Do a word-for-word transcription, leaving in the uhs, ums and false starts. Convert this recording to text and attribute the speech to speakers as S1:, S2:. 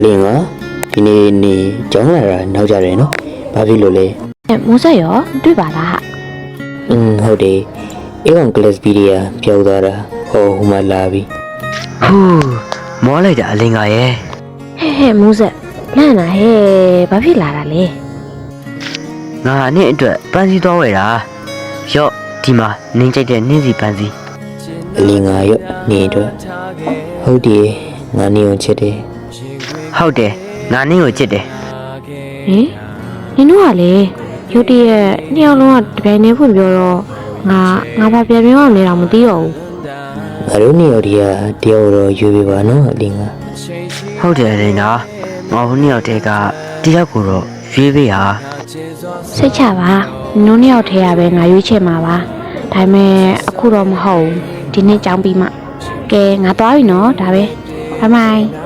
S1: လင်ကဒီနေ့နေကြောင်းလာတာနောက်ကြတယ်နော်ဘာဖြစ်လို့လဲ
S2: အဲမိုးဆက်ရောတွေ့ပါလားဟာ
S1: อืมဟုတ်တယ်အေးကောင်ကလစ်ဗီဒီယိုပြောက်သွားတာဟောဟိုမှာလာပြီ
S3: ဟူးမောလိုက်တာအလင်းကရဲ့
S2: ဟဲ့ဟဲ့မိုးဆက်လန့်လာဟဲ့ဘာဖြစ်လာတာလဲ
S3: ငါနဲ့အတွက်ပန်းစည်းသွားဝယ်တာရော့ဒီမှာနင်းကြိုက်တဲ့နင်းစီပန်းစည်း
S1: အလင်ကရော့နေတော့ဟုတ်တယ်ငါနေအောင်ချစ်တယ်
S3: ဟုတ်တယ်ငါနင်းကိုချစ်တယ်
S2: ဟင်နင်တို့ကလေရုတ်တရက်နှစ်ယောက်လုံးကတပြိုင်တည်းဖွင့်ပြောတော့ငါငါဘာပြန်ပြောအောင်လဲတော့မသိတော့ဘူး
S1: ငါတို့နေရော်ဒီကတယောက်တော့ယူပြပါနော်အလင်က
S3: ဟုတ်တယ်အလင်းကငါဟိုနှစ်ယောက်တည်းကတယောက်ကိုတော့ရွေးပေးဟာ
S2: စိတ်ချပါနင်တို့နှစ်ယောက်ထဲရပဲငါရွေးချယ်မှာပါဒါပေမဲ့အခုတော့မဟုတ်ဘူးဒီနေ့ကြောင်းပြီးမှကဲငါသွားပြီနော်ဒါပဲဘိုင်ဘိုင်